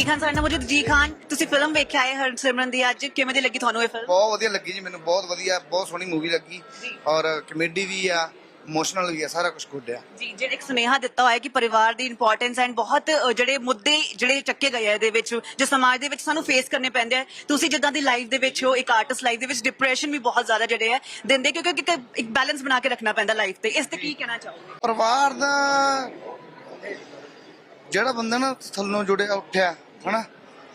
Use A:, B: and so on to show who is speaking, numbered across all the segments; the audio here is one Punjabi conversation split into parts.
A: ਜੀ ਖਾਨ ਸਾਡੇ ਨਾਲ ਮੌਜੂਦ। ਜੀ ਖਾਨ, ਤੁਸੀਂ ਫਿਲਮ ਵੇਖਿਆ ਹੈ ਹਰਸਿਮਰਨ ਦੀ, ਅੱਜ ਕਿਵੇਂ ਦੀ ਲੱਗੀ ਤੁਹਾਨੂੰ ਇਹ ਫਿਲਮ?
B: ਬਹੁਤ ਵਧੀਆ ਲੱਗੀ ਜੀ ਮੈਨੂੰ, ਬਹੁਤ ਵਧੀਆ, ਬਹੁਤ ਸੋਹਣੀ ਮੂਵੀ ਲੱਗੀ ਔਰ ਕਮੇਡੀ ਵੀ ਆ, ਇਮੋਸ਼ਨਲ ਵੀ ਆ, ਸਾਰਾ ਕੁਝ ਗੁੱਡ ਆ
A: ਜੀ। ਜਿਹੜੇ ਇੱਕ ਸੁਨੇਹਾ ਦਿੱਤਾ ਹੋਇਆ ਕਿ ਪਰਿਵਾਰ ਦੀ ਇੰਪੋਰਟੈਂਸ ਐਂਡ ਬਹੁਤ ਜਿਹੜੇ ਮੁੱਦੇ ਜਿਹੜੇ ਚੱਕੇ ਗਏ ਆ ਇਹਦੇ ਵਿੱਚ, ਜੋ ਸਮਾਜ ਦੇ ਵਿੱਚ ਸਾਨੂੰ ਫੇਸ ਕਰਨੇ ਪੈਂਦੇ ਆ। ਤੁਸੀਂ ਜਿੱਦਾਂ ਦੀ ਲਾਈਫ ਦੇ ਵਿੱਚ ਹੋ, ਇੱਕ ਆਰਟਿਸਟ ਲਾਈਫ ਦੇ ਵਿੱਚ ਡਿਪਰੈਸ਼ਨ ਵੀ ਬਹੁਤ ਜ਼ਿਆਦਾ ਜਿਹੜੇ ਆ ਦਿੰਦੇ, ਕਿਉਂਕਿ ਇੱਕ ਬੈਲੈਂਸ ਬਣਾ ਕੇ ਰੱਖਣਾ ਪੈਂਦਾ ਲਾਈਫ ਤੇ। ਇਸ ਤੇ ਕੀ ਕਹਿਣਾ ਚਾਹੋਗੇ?
B: ਪਰਿਵਾਰ ਦਾ ਜਿਹੜਾ ਬੰਦਾ ਨਾ ਥੱਲੋਂ ਜੁੜਿਆ ਉੱਠਿਆ ਹਨਾ,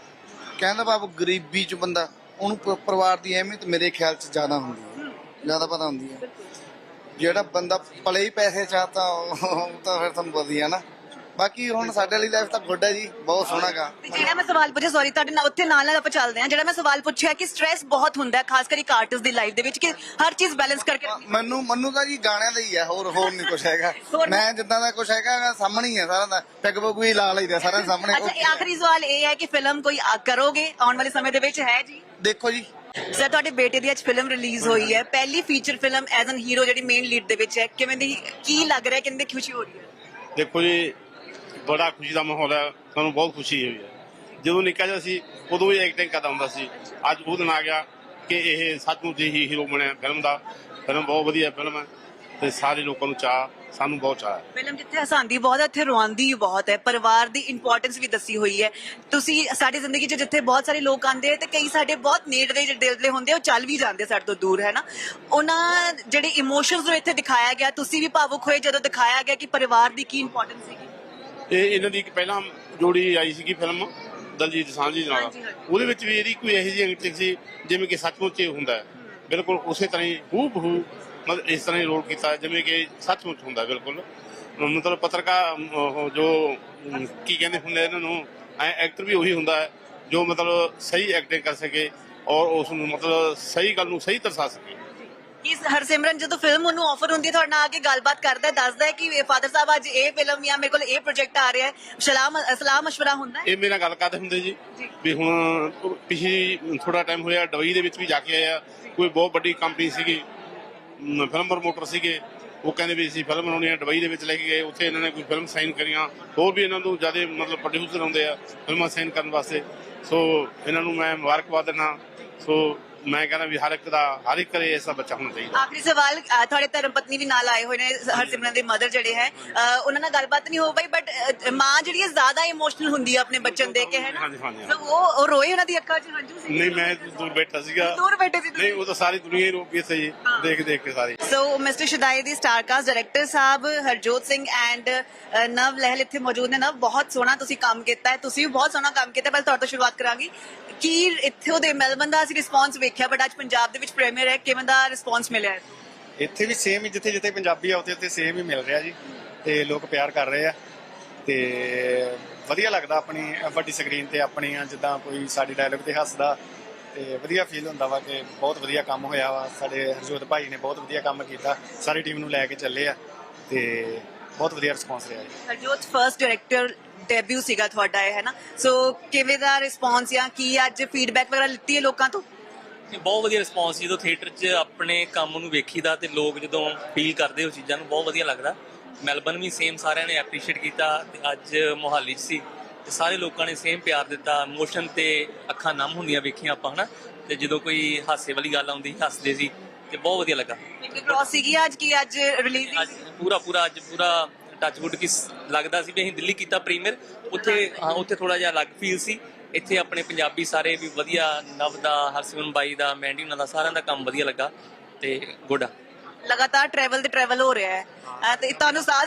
B: ਕਹਿੰਦਾ ਬਾਬੂ ਗਰੀਬੀ ਚ ਬੰਦਾ, ਉਹਨੂੰ ਪਰਿਵਾਰ ਦੀ ਅਹਿਮੀਅਤ ਮੇਰੇ ਖਿਆਲ ਚ ਜ਼ਿਆਦਾ ਹੁੰਦੀ ਹੈ, ਜ਼ਿਆਦਾ ਪਤਾ ਹੁੰਦੀ ਹੈ। ਜਿਹੜਾ ਬੰਦਾ ਪਲੇ ਹੀ ਪੈਸੇ ਚਾਹਤਾ ਉਹ ਤਾਂ ਫਿਰ ਤੁਹਾਨੂੰ ਵਧੀਆ ਨਾ। ਬਾਕੀ ਹੁਣ ਸਾਡੇ ਲਈ ਲਾਈਫ ਤਾਂ ਗੁੱਡ ਹੈ ਜੀ, ਬਹੁਤ ਸੋਹਣਾ ਗਾ।
A: ਜਿਹੜਾ ਮੈਂ ਸਵਾਲ ਪੁੱਛਿਆ, ਸੌਰੀ ਤੁਹਾਡੇ ਨਾਲ ਉੱਥੇ ਨਾਲ ਆਪਾਂ ਚੱਲਦੇ ਹਾਂ, ਜਿਹੜਾ ਮੈਂ ਸਵਾਲ ਪੁੱਛਿਆ ਕਿ ਸਟ੍ਰੈਸ ਬਹੁਤ ਹੁੰਦਾ ਹੈ ਖਾਸ ਕਰ ਇੱਕ ਆਰਟਿਸਟ ਦੀ ਲਾਈਫ ਦੇ ਵਿੱਚ, ਕਿ ਹਰ ਚੀਜ਼ ਬੈਲੈਂਸ ਕਰਕੇ
B: ਮੈਨੂੰ ਤਾਂ ਜੀ ਗਾਣਿਆਂ ਦਾ ਹੀ ਹੈ, ਹੋਰ ਨਹੀਂ ਕੁਝ ਹੈਗਾ। ਮੈਂ ਜਿੱਦਾਂ ਦਾ ਕੁਝ ਹੈਗਾ ਸਾਹਮਣੇ ਹੀ ਹੈ ਸਾਰਾ ਦਾ, ਪੈਗ ਪੁਗ ਵੀ ਲਾ ਲਈਦਾ ਸਾਰਿਆਂ ਦੇ ਸਾਹਮਣੇ।
A: ਅੱਛਾ, ਆਖਰੀ ਸਵਾਲ ਇਹ ਹੈ ਕਿ ਫਿਲਮ ਕੋਈ ਕਰੋਗੇ ਆਉਣ ਵਾਲੇ ਸਮੇਂ ਦੇ ਵਿੱਚ? ਹੈ ਜੀ।
B: ਦੇਖੋ ਜੀ,
A: ਸਰ ਤੁਹਾਡੇ ਬੇਟੇ ਦੀ ਅੱਜ ਫਿਲਮ ਰਿਲੀਜ਼ ਹੋਈ ਹੈ, ਪਹਿਲੀ feature film as an hero ਜਿਹੜੀ ਮੇਨ ਲੀਡ ਦੇ ਵਿੱਚ ਹੈ, ਕਿਵੇਂ ਦੀ, ਕੀ ਲੱਗ ਰਿਹਾ, ਕਿੰਨੀ ਖੁਸ਼ੀ ਹੋ ਰਹੀ ਹੈ?
C: ਦੇਖੋ ਜੀ, ਬੜਾ ਖੁਸ਼ੀ ਦਾ ਮਾਹੌਲ ਹੈ, ਸਾਨੂੰ ਬਹੁਤ ਖੁਸ਼ੀ ਹੋਈ ਹੈ। ਜਦੋਂ ਨਿੱਕਾ ਜਿਹਾ ਸੀ ਉਦੋਂ ਵੀ ਐਕਟਿੰਗ ਕਰਦਾ ਹੁੰਦਾ ਸੀ, ਅੱਜ ਉਹ ਦਿਨ ਆ ਗਿਆ ਕਿ ਇਹ ਸੱਚਮੁੱਚ ਹੀ ਹੀਰੋ ਬਣਿਆ ਫਿਲਮ ਦਾ। ਫਿਲਮ ਬਹੁਤ ਵਧੀਆ ਫਿਲਮ ਹੈ ਤੇ ਸਾਰੇ ਲੋਕਾਂ ਨੂੰ ਚਾਅ, ਸਾਨੂੰ ਬਹੁਤ ਚਾਅ ਹੈ।
A: ਫਿਲਮ ਜਿੱਥੇ ਹਸਾਂਦੀ ਬਹੁਤ ਹੈ ਉੱਥੇ ਰਵਾਉਂਦੀ ਬਹੁਤ ਹੈ, ਪਰਿਵਾਰ ਦੀ ਇੰਪੋਰਟੈਂਸ ਵੀ ਦੱਸੀ ਹੋਈ ਹੈ। ਤੁਸੀਂ ਸਾਡੀ ਜ਼ਿੰਦਗੀ 'ਚ ਜਿੱਥੇ ਬਹੁਤ ਸਾਰੇ ਲੋਕ ਆਉਂਦੇ ਤੇ ਕਈ ਸਾਡੇ ਬਹੁਤ ਨੇੜਲੇ ਦਿਲ ਦੇ ਹੁੰਦੇ, ਉਹ ਚੱਲ ਵੀ ਜਾਂਦੇ ਸਾਡੇ ਤੋਂ ਦੂਰ, ਹੈ ਨਾ। ਉਹਨਾਂ ਜਿਹੜੇ ਇਮੋਸ਼ਨਸ ਨੂੰ ਇੱਥੇ ਦਿਖਾਇਆ ਗਿਆ, ਤੁਸੀਂ ਵੀ ਭਾਵੁਕ ਹੋਏ ਜਦੋਂ ਦਿਖਾਇਆ ਗਿਆ ਕਿ ਪਰਿਵਾਰ ਦੀ ਕੀ ਇੰਪੋਰਟੈਂਸ ਸੀਗੀ।
C: ਇਹਨਾਂ ਦੀ ਇੱਕ ਪਹਿਲਾਂ ਜੋੜੀ ਆਈ ਸੀਗੀ ਫਿਲਮ ਦਲਜੀਤ ਸਾਂਝੀ ਨਾਲ, ਉਹਦੇ ਵਿੱਚ ਵੀ ਇਹਦੀ ਕੋਈ ਇਹੋ ਜਿਹੀ ਐਕਟਿੰਗ ਸੀ ਜਿਵੇਂ ਕਿ ਸੱਚਮੁੱਚ ਹੀ ਹੁੰਦਾ ਹੈ। ਬਿਲਕੁਲ ਉਸੇ ਤਰ੍ਹਾਂ ਹੀ ਹੂ ਬਹੂ ਮਤਲਬ ਇਸ ਤਰ੍ਹਾਂ ਹੀ ਰੋਲ ਕੀਤਾ ਜਿਵੇਂ ਕਿ ਸੱਚਮੁੱਚ ਹੁੰਦਾ। ਬਿਲਕੁਲ ਮਤਲਬ ਪੱਤਰਕਾਰ ਜੋ ਕੀ ਕਹਿੰਦੇ ਹੁੰਦੇ ਇਹਨਾਂ ਨੂੰ, ਐਕਟਰ ਵੀ ਉਹੀ ਹੁੰਦਾ ਹੈ ਜੋ ਮਤਲਬ ਸਹੀ ਐਕਟਿੰਗ ਕਰ ਸਕੇ ਔਰ ਉਸ ਨੂੰ ਮਤਲਬ ਸਹੀ ਗੱਲ ਨੂੰ ਸਹੀ ਦਰਸਾ ਸਕੇ।
A: ਇਸ ਹਰਸਿਮਰਨ ਜਦੋਂ ਫਿਲਮ ਉਹਨੂੰ ਆਫਰ ਹੁੰਦੀ ਹੈ, ਤੁਹਾਡੇ ਨਾਲ ਆ ਕੇ ਗੱਲਬਾਤ ਕਰਦਾ, ਦੱਸਦਾ ਹੈ ਕਿ ਫਾਦਰ ਸਾਹਿਬ ਅੱਜ ਇਹ ਫਿਲਮ ਜਾਂ ਮੇਰੇ ਕੋਲ ਇਹ ਪ੍ਰੋਜੈਕਟ ਆ ਰਿਹਾ ਹੈ, ਸਲਾਹ ਮਸ਼ਵਰਾ ਹੁੰਦਾ ਹੈ? ਇਹ
C: ਮੇਰੇ ਨਾਲ ਗੱਲ ਕਰਦੇ ਹੁੰਦੇ ਜੀ ਵੀ ਹੁਣ ਪਿਛਲੀ ਥੋੜਾ ਟਾਈਮ ਹੋਇਆ ਦੁਬਈ ਦੇ ਵਿੱਚ ਵੀ ਜਾ ਕੇ ਆਇਆ, ਕੋਈ ਬਹੁਤ ਵੱਡੀ ਕੰਪਨੀ ਸੀਗੀ, ਫਿਲਮ ਪ੍ਰਮੋਟਰ ਸੀਗੇ, ਉਹ ਕਹਿੰਦੇ ਵੀ ਅਸੀਂ ਫਿਲਮ ਬਣਾਉਣੀ ਹੈ, ਦੁਬਈ ਦੇ ਵਿੱਚ ਲੈ ਕੇ ਗਏ, ਉੱਥੇ ਇਹਨਾਂ ਨੇ ਕੋਈ ਫਿਲਮ ਸਾਈਨ ਕਰੀਆਂ। ਹੋਰ ਵੀ ਇਹਨਾਂ ਨੂੰ ਜ਼ਿਆਦਾ ਮਤਲਬ ਪ੍ਰੋਡਿਊਸਰ ਆਉਂਦੇ ਆ ਫਿਲਮਾਂ ਸਾਈਨ ਕਰਨ ਵਾਸਤੇ, ਸੋ ਇਹਨਾਂ ਨੂੰ ਮੈਂ ਮੁਬਾਰਕਬਾਦ ਦਿੰਦਾ। ਸੋ ਮੈਂ ਕਹਿੰਦਾ ਵੀ ਹਰ ਇੱਕ ਘਰੇ ਐਸਾ ਬੱਚਾ ਹੋਣਾ ਚਾਹੀਦਾ।
A: ਆਖਰੀ ਸਵਾਲ, ਤੁਹਾਡੇ ਧਰਮ ਪਤਨੀ ਵੀ ਨਾਲ ਆਏ ਹੋਏ ਨੇ, ਹਰਸਿਮਰਨ ਦੇ ਮਦਰ ਜਿਹੜੇ ਹੈ, ਉਹਨਾਂ ਨਾਲ ਗੱਲਬਾਤ ਨਹੀਂ ਹੋ ਪਾਈ, ਬਟ ਮਾਂ ਜਿਹੜੀ ਹੈ ਜ਼ਿਆਦਾ ਇਮੋਸ਼ਨਲ ਹੁੰਦੀ ਹੈ ਆਪਣੇ ਬੱਚੇ ਨੂੰ ਦੇਖ ਕੇ, ਹੈ ਨਾ। ਉਹ ਰੋਏ, ਉਹਨਾਂ ਦੀ ਅੱਖਾਂ 'ਚ ਹੰਝੂ ਸੀ?
C: ਨਹੀਂ, ਮੈਂ ਦੂਰ ਬੈਠਾ ਸੀਗਾ।
A: ਦੂਰ ਬੈਠੇ ਸੀ?
C: ਨਹੀਂ, ਉਹ ਤਾਂ ਸਾਰੀ ਦੁਨੀਆ ਹੀ ਰੋ ਪਈ ਸੀ ਦੇਖ ਕੇ ਸਾਰੀ।
A: ਸੋ ਮਿਸਟਰ ਸ਼ਦਾਈ ਦੀ star cast director sahib Harjot Singh and Nav Lehal ਇੱਥੇ ਮੌਜੂਦ ਨੇ। ਨਵ, ਬਹੁਤ ਸੋਹਣਾ ਤੁਸੀਂ ਕੰਮ ਕੀਤਾ ਹੈ, ਤੁਸੀਂ ਵੀ ਬਹੁਤ ਸੋਹਣਾ ਕੰਮ ਕੀਤਾ। ਪਹਿਲਾਂ ਤੁਹਾਡੇ ਤੋਂ ਸ਼ੁਰੂਆਤ ਕਰਾਂਗੀ ਕਿ ਇੱਥੇ ਉਹਦੇ ਮੈਲਬਨ ਦਾ ਅਸੀਂ ਰਿਸਪੌਂਸ ਵੇਖਿਆ, ਬਟ ਅੱਜ ਪੰਜਾਬ ਦੇ ਵਿੱਚ ਪ੍ਰੀਮੀਅਰ ਹੈ, ਕਿਵੇਂ ਦਾ ਰਿਸਪੌਂਸ ਮਿਲਿਆ?
D: ਇੱਥੇ ਵੀ ਸੇਮ ਹੀ, ਜਿੱਥੇ ਜਿੱਥੇ ਪੰਜਾਬੀ ਆ ਉੱਥੇ ਸੇਮ ਹੀ ਮਿਲ ਰਿਹਾ ਜੀ, ਤੇ ਲੋਕ ਪਿਆਰ ਕਰ ਰਹੇ ਆ ਤੇ ਵਧੀਆ ਲੱਗਦਾ ਆਪਣੀ ਵੱਡੀ ਸਕਰੀਨ ਤੇ ਆਪਣੀਆਂ ਜਿੱਦਾਂ ਕੋਈ ਸਾਡੀ ਡਾਇਲੌਗ ਤੇ ਹੱਸਦਾ, ਤੇ ਵਧੀਆ ਫੀਲ ਹੁੰਦਾ ਵਾ ਕਿ ਬਹੁਤ ਵਧੀਆ ਕੰਮ ਹੋਇਆ ਵਾ। ਸਾਡੇ ਹਰਜੋਤ ਭਾਈ ਨੇ ਬਹੁਤ ਵਧੀਆ ਕੰਮ ਕੀਤਾ, ਸਾਰੀ ਟੀਮ ਨੂੰ ਲੈ ਕੇ ਚੱਲੇ ਆ ਤੇ ਬਹੁਤ ਵਧੀਆ ਰਿਸਪੌਂਸ ਰਿਹਾ ਜੀ।
A: ਹਰਜੋਤ ਫਰਸਟ ਡਾਇਰੈਕਟਰ ਡੈਬਿਊ ਸੀਗਾ ਤੁਹਾਡਾ, ਹੈ ਨਾ, ਸੋ ਕਿਵੇਂ ਦਾ ਰਿਸਪੌਂਸ ਜਾਂ ਕੀ ਅੱਜ ਫੀਡਬੈਕ ਵਗੈਰਾ ਲਿੱਤੀ ਹੈ ਲੋਕਾਂ ਤੋਂ?
E: ਬਹੁਤ ਵਧੀਆ ਰਿਸਪੌਂਸ, ਜਦੋਂ ਥੀਏਟਰ 'ਚ ਆਪਣੇ ਕੰਮ ਨੂੰ ਵੇਖੀਦਾ ਤੇ ਲੋਕ ਜਦੋਂ ਫੀਲ ਕਰਦੇ ਉਹ ਚੀਜ਼ਾਂ ਨੂੰ, ਬਹੁਤ ਵਧੀਆ ਲੱਗਦਾ। ਮੈਲਬਨ ਵੀ ਸੇਮ ਸਾਰਿਆਂ ਨੇ ਐਪਰੀਸ਼ੀਏਟ ਕੀਤਾ ਤੇ ਅੱਜ ਮੋਹਾਲੀ 'ਚ ਸੀ ਤੇ ਸਾਰੇ ਲੋਕਾਂ ਨੇ ਸੇਮ ਪਿਆਰ ਦਿੱਤਾ। ਇਮੋਸ਼ਨ ਤੇ ਅੱਖਾਂ ਨਮ ਹੁੰਦੀਆਂ ਵੇਖੀਆਂ ਆਪਾਂ, ਹਨਾ, ਤੇ ਜਦੋਂ ਕੋਈ ਹਾਸੇ ਵਾਲੀ ਗੱਲ ਆਉਂਦੀ ਹੱਸਦੇ ਸੀ ਤੇ ਬਹੁਤ ਵਧੀਆ ਲੱਗਾ।
A: ਕ੍ਰੋਸ ਸੀਗੀ ਅੱਜ ਕੀ ਅੱਜ ਰਿਲੀਜ਼
E: ਅੱਜ ਪੂਰਾ ਟੱਚਵੁੱਡ ਕੀ ਲੱਗਦਾ ਸੀ ਵੀ ਅਸੀਂ ਦਿੱਲੀ ਕੀਤਾ ਪ੍ਰੀਮੀਅਰ, ਉੱਥੇ ਥੋੜਾ ਜਿਹਾ ਅਲੱਗ ਫੀਲ ਸੀ। ਇੱਥੇ ਆਪਣੇ ਪੰਜਾਬੀ ਸਾਰੇ ਵੀ ਵਧੀਆ, ਨਵ ਦਾ, ਹਰਸਿਮਰਨ ਬਾਈ ਦਾ, ਮੈਂਡੀ ਉਹਨਾਂ ਦਾ, ਸਾਰਿਆਂ ਦਾ ਕੰਮ ਵਧੀਆ ਲੱਗਾ ਤੇ ਗੁੱਡ ਆ।
A: ਲਗਾਤਾਰ ਟਰੈਵਲ ਹੋ ਰਿਹਾ ਹੈ ਤੇ ਤੁਹਾਨੂੰ ਸਾਹ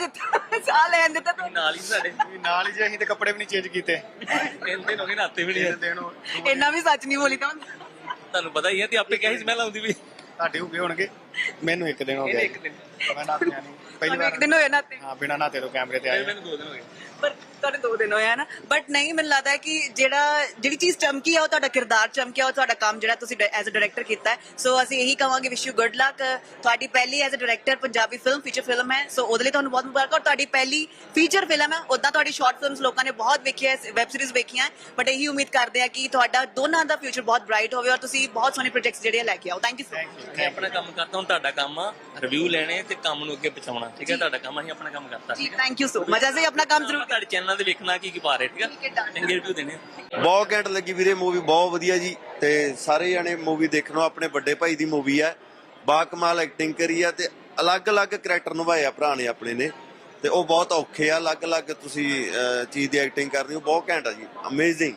A: ਲੈਣ ਦਿੱਤਾ
E: ਨਾਲ ਹੀ ਸਾਡੇ
D: ਨਾਲ ਹੀ ਜੀ, ਅਸੀਂ ਤੇ ਕੱਪੜੇ ਵੀ ਨਹੀਂ ਚੇਂਜ ਕੀਤੇ,
E: 3 ਦਿਨ ਹੋ ਗਏ, ਨਾਤੇ ਵੀ ਨਹੀਂ।
A: ਇੰਨਾ ਵੀ ਸੱਚ ਨਹੀਂ ਬੋਲੀ ਤਾਂ
E: ਤੁਹਾਨੂੰ ਪਤਾ ਹੀ ਹੈ, ਤੇ ਆਪੇ ਕਿਹਾ ਸਮੈਲ ਆਉਂਦੀ ਵੀ।
D: ਤੁਹਾਡੇ ਹੋ ਗਏ ਹੋਣਗੇ, ਮੈਨੂੰ 1 ਦਿਨ ਹੋ ਗਿਆ। ਮੈਂ ਨਾਤਿਆ ਨਹੀਂ, ਪਹਿਲੀ ਵਾਰ
A: 1 ਦਿਨ ਹੋਇਆ ਨਾਤੇ?
D: ਹਾਂ, ਬਿਨਾਂ ਨਾਤੇ ਤੋਂ ਕੈਮਰੇ ਤੇ ਆਏ।
E: ਮੈਨੂੰ 2 ਦਿਨ ਹੋ ਗਏ।
A: ਪਰ ਤੁਹਾਡੇ 2 ਦਿਨ ਹੋਇਆ ਨਾ, ਬਟ ਨਹੀਂ, ਮੈਨੂੰ ਲੱਗਦਾ ਹੈ ਕਿ ਜਿਹੜੀ ਚੀਜ਼ ਚਮਕੀ ਆ ਉਹ ਤੁਹਾਡਾ ਕਿਰਦਾਰ ਚਮਕਿਆ, ਉਹ ਤੁਹਾਡਾ ਕੰਮ ਜਿਹੜਾ ਤੁਸੀਂ ਐਜ਼ ਅ ਡਾਇਰੈਕਟਰ ਕੀਤਾ ਹੈ। ਸੋ ਅਸੀਂ ਇਹੀ ਕਹਾਂਗੇ, ਵਿਸ਼ ਯੂ ਗੁੱਡ ਲੱਕ। ਤੁਹਾਡੀ ਪਹਿਲੀ as a director Punjabi film, feature film ਹੈ, ਸੋ ਉਹਦੇ ਲਈ ਤੁਹਾਨੂੰ ਬਹੁਤ ਮੁਬਾਰਕ। ਔਰ ਤੁਹਾਡੀ ਪਹਿਲੀ ਫੀਚਰ ਫਿਲਮ ਹੈ, ਉੱਦਾਂ ਤੁਹਾਡੀ ਸ਼ਾਰਟ ਫਿਲਮਸ ਲੋਕਾਂ ਨੇ ਬਹੁਤ ਵੇਖੀਆਂ, ਵੈਬ ਸੀਰੀਜ਼ ਵੇਖੀਆਂ, ਬਟ ਇਹੀ ਉਮੀਦ ਕਰਦੇ ਆ ਕਿ ਤੁਹਾਡਾ ਦੋਨਾਂ ਦਾ ਫਿਊਚਰ ਬਹੁਤ ਬ੍ਰਾਈਟ ਹੋਵੇ ਔਰ ਤੁਸੀਂ ਬਹੁਤ ਸੋਹਣੇ ਪ੍ਰੋਜੈਕਟਸ ਜਿਹੜੇ ਲੈ ਕੇ ਆਓ। Thank you so much.
E: ਮੈਂ ਆਪਣਾ ਕੰਮ ਕਰਦਾ, ਹੁਣ ਤੁਹਾਡਾ ਕੰਮ ਆ ਰਿਵਿਊ ਲੈਣੇ ਤੇ ਕੰਮ ਨੂੰ ਅੱਗੇ ਪਹੁੰਚਾਉਣਾ। ਠੀਕ ਹੈ, ਤੁਹਾਡਾ ਕੰਮ ਅਸੀਂ ਆਪਣਾ ਕੰਮ ਕਰਤਾ।
A: ਜੀ ਥੈਂਕ ਯੂ ਸੋ ਮਚ। ਅਸੀਂ ਆਪਣਾ ਕੰਮ ਜ਼ਰੂਰ
E: ਤੁਹਾਡੇ ਚੈਨਲ ਤੇ ਵੇਖਣਾ ਕੀ ਪਾ ਰਹੇ, ਠੀਕ ਹੈ, ਚੰਗੇ ਰਿਵਿਊ ਦੇਣੇ।
F: ਬਹੁਤ ਘੈਂਟ ਲੱਗੀ ਵੀਰੇ ਮੂਵੀ, ਬਹੁਤ ਵਧੀਆ ਜੀ। ਤੇ ਸਾਰੇ ਜਣੇ ਮੂਵੀ ਦੇਖਣੋ, ਆਪਣੇ ਵੱਡੇ ਭਾਈ ਦੀ ਮੂਵੀ ਹੈ, ਬਾ ਕਮਾਲ ਐਕਟਿੰਗ ਕਰੀ ਆ ਤੇ ਅਲੱਗ-ਅਲੱਗ ਕਰੈਕਟਰ ਨਿਭਾਏ ਆ ਭਰਾ ਨੇ ਆਪਣੇ ਨੇ, ਤੇ ਉਹ ਬਹੁਤ ਔਖੇ ਆ। ਅਲੱਗ-ਅਲੱਗ ਤੁਸੀਂ ਚੀਜ਼ ਦੀ ਐਕਟਿੰਗ ਕਰਨੀ, ਉਹ ਬਹੁਤ ਘੈਂਟ ਆ ਜੀ, ਅਮੇਜ਼ਿੰਗ।